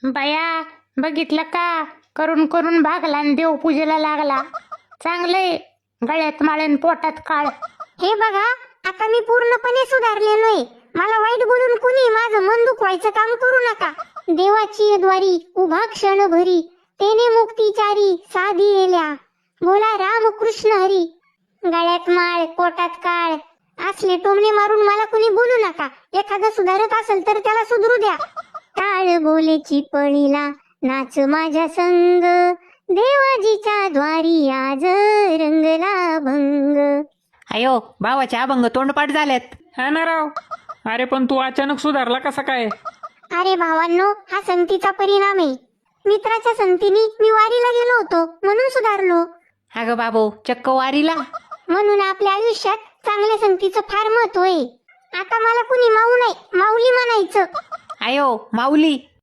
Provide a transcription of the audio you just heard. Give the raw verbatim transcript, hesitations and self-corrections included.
बाया, बघितलं का? करून करून भागला आणि देवपूजेला लागला. चांगलंय, गळ्यात माळेन पोटात काळ. हे बघा, आता मी पूर्णपणे सुधारलेलोय. मला वाईट बोलून कुणी माझं मन दुखवायचं काम करू नका. देवाची द्वारी उभा क्षण भरी, तेने मुक्तीचारी साधी येल्या. बोला राम कृष्ण हरी. गळ्यात माळ पोटात काळ असले टोमणे मारून मला कुणी बोलू नका. एखादं सुधारत असेल तर त्याला सुधरू द्या. टाळ बोलेची पळीला नाच माझ्या संग, देवाजीच्या द्वारी आज रंगला भंग. अयो, भावाचे अभंग तोंडपाठ झालेत. हा ना राव. अरे पण तू अचानक सुधारला कसा काय? अरे भावांनो, हा संगतीचा परिणाम आहे. मित्राच्या संगतीने मी वारीला गेलो होतो म्हणून सुधारलो. अगं बाबू, चक्क वारीला? म्हणून आपल्या आयुष्यात चांगल्या संगतीचं फार महत्व आहे. आता मला कुणी माऊ नाही, माऊली म्हणायचं. अयो माऊली.